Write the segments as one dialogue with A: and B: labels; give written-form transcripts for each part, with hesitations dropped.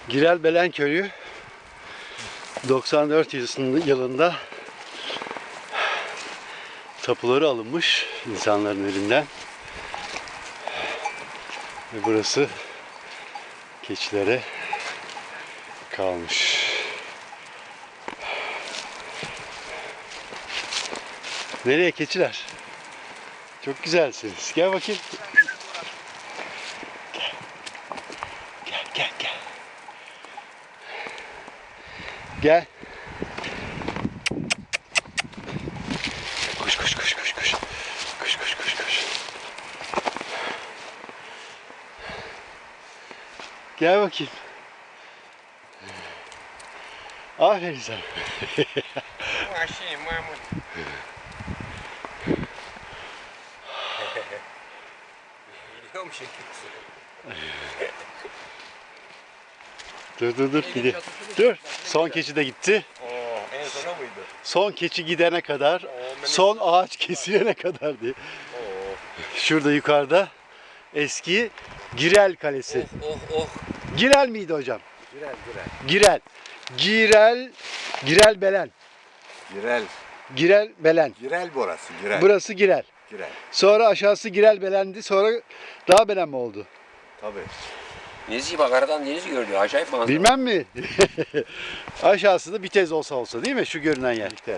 A: Girelbelen Köyü 94 yılında tapuları alınmış insanların elinden ve burası keçilere kalmış. Nereye keçiler? Çok güzelsiniz. Gel bakayım. Gel. Gel. Koş. Koş. Gel bakayım. Aferin sana.
B: Mahmut. Biliyor musun
A: Dur gidiyor. Dur. Son keçi de gitti.
B: en sona mıydı?
A: Son keçi gidene kadar, son ağaç kesilene kadar diye. Şurada yukarıda eski Girel Kalesi.
B: Oh.
A: Girel miydi hocam?
B: Girel.
A: Girelbelen. Girelbelen.
B: Girel burası. Girel.
A: Burası Girel.
B: Girel.
A: Sonra aşağısı Girelbelen'di. Sonra daha belen mi oldu?
B: Tabii.
C: Denizi bak, aradan deniz görünüyor. Acayip manzara.
A: Bilmem mi? Aşağısı da Bitez olsa değil mi? Şu görünen yer.
B: Bitez.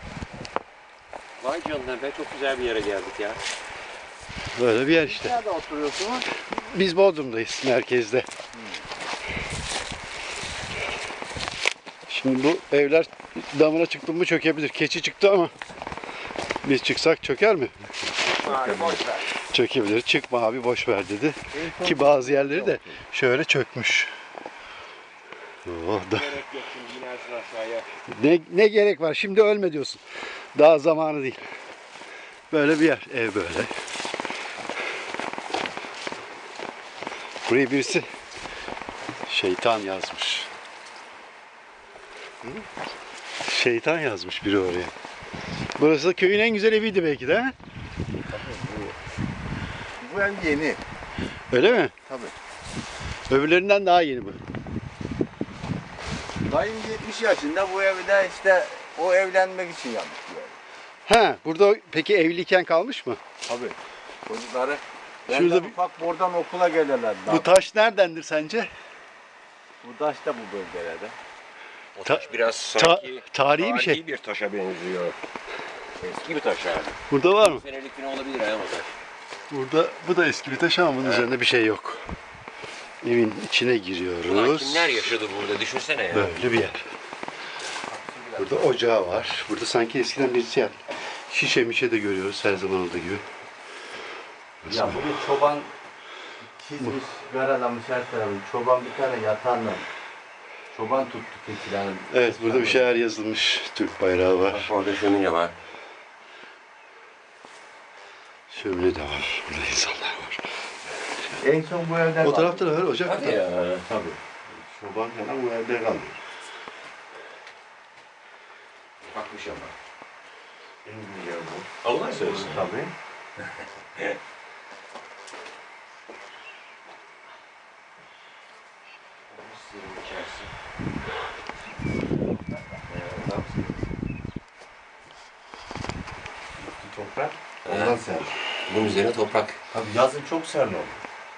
C: Vay canına be, çok güzel bir yere geldik ya.
A: Böyle bir yer işte.
B: Nerede oturuyorsunuz?
A: Biz Bodrum'dayız, merkezde. Şimdi bu evler damına çıktı mı çökebilir. Keçi çıktı ama biz çıksak çöker mi?
B: Abi boş ver.
A: Çökebilir. Çıkma abi boş ver dedi. Ki bazı yerleri de şöyle çökmüş. Oh, da.
C: Gerek yok, şimdi inersin aşağıya.
A: Ne gerek var? Şimdi ölme diyorsun. Daha zamanı değil. Böyle bir yer. Ev böyle. Buraya birisi şeytan yazmış. Şeytan yazmış biri oraya. Burası da köyün en güzel eviydi belki de.
B: Bu ev yeni.
A: Öyle mi?
B: Tabii.
A: Öbürlerinden daha yeni bu.
B: Dayım 70 yaşında, bu evi de işte o evlenmek için yapmış bu evi.
A: Ha, burada peki evliyken kalmış mı?
B: Tabii. Çocukları
A: Şurada
B: Şurada
A: bir-
B: ufak buradan okula gelirler.
A: Bu taş neredendir sence?
B: Bu taş da bu bölgelerde.
C: O
A: Ta-
C: taş biraz sanki
A: tarihi bir şey.
C: bir taşa benziyor. Eski bir taş yani.
A: Burada var mı?
C: Senelik falan olabilir ha o taş.
A: Burada bu da eski bir taş ama bunun üzerinde bir şey yok. Evin içine
C: Ulan
A: giriyoruz.
C: kimler yaşadı burada, düşünsene ya.
A: Böyle bir yer. Burada ocağı var. Burada sanki eskiden birisi yaptı. Şişe mişe de görüyoruz her zaman olduğu gibi.
B: Ya bunu çoban çizmiş, karalamış her tarafını. Çoban bir tane yatağından. Çoban tuttu keçilerin.
A: Evet, burada bir şeyler yazılmış. Türk bayrağı var.
C: Bak orada şömine var.
A: Şömine de var. Burada insanlar var.
B: En son bu evde
A: O tarafta da var ocak.
C: Hadi ya.
B: Tabii. Çoban falan bu evde kalıyor.
C: Bakmış ama.
B: En güzel bu.
C: Allah söylesin.
B: Tabii.
C: Sırrın içerisi.
B: Toprak. Ondan sen.
C: Bunun üzerine toprak.
B: Tabii yazın çok serin oldu.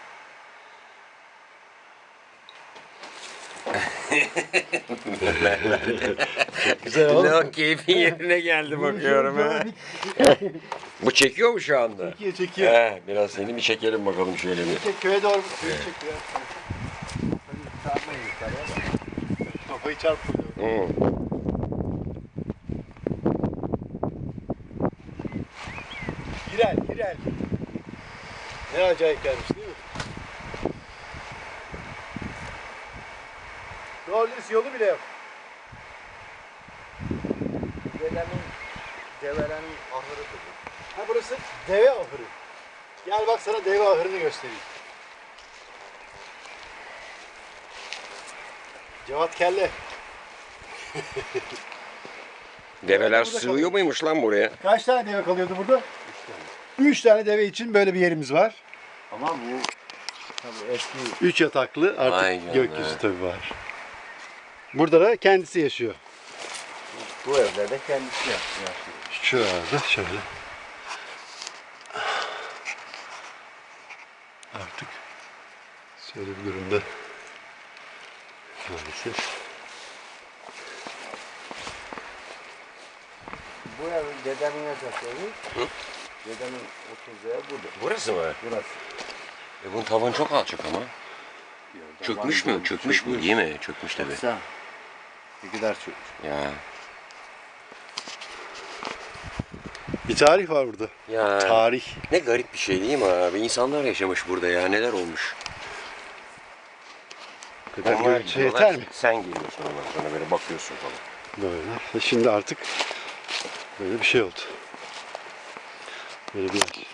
A: Güzel oldu.
C: Ne keyfin yerine geldi bakıyorum ha. Bu çekiyor mu şu anda?
A: Çekiyor.
C: Biraz seni bir çekelim bakalım şöyle bir.
A: Köye doğru köyü çekiyor. Kafayı çarpıyor.
C: Hı.
A: Girel. Ne acayip gelmiş değil mi? Doğru düz yolu bile yok.
B: Develerin ahırıdır bu.
A: Ha burası deve ahırı. Gel bak sana deve ahırını göstereyim. Cevat Kelle.
C: Develer
A: Burada
C: sığıyor muymuş lan buraya?
A: Kaç tane deve kalıyordu burada? 3 tane deve için böyle bir yerimiz var.
B: Ama bu Tabii eski
A: 3 yataklı artık
C: Vay canına.
A: gökyüzü tabii var. Burada da kendisi yaşıyor.
B: bu evlerde kendisi yaşıyor.
A: Şurada şöyle. Artık şöyle bir durumda maalesef.
B: Bu ev dedemin yatak evi.
C: Hı?
B: Dedemin oturduğu ev burada.
C: Burası mı?
B: Burası.
C: Bunun tavan çok alçak ama. Çökmüş mü? Çökmüş bu değil mi? Çökmüş tabii.
B: Baksana. Ne kadar çökmüş.
C: Ya.
A: Bir tarih var burada.
C: Ya.
A: Tarih.
C: Ne garip bir şey değil mi abi? İnsanlar yaşamış burada ya. Neler olmuş?
A: Bu kadar
C: Onlar
A: görüntü
C: gidiyorlar,
A: yeter mi?
C: Sen geliyorsun ondan sonra böyle bakıyorsun falan.
A: Böyle. Şimdi artık böyle bir şey oldu. Böyle bir yer.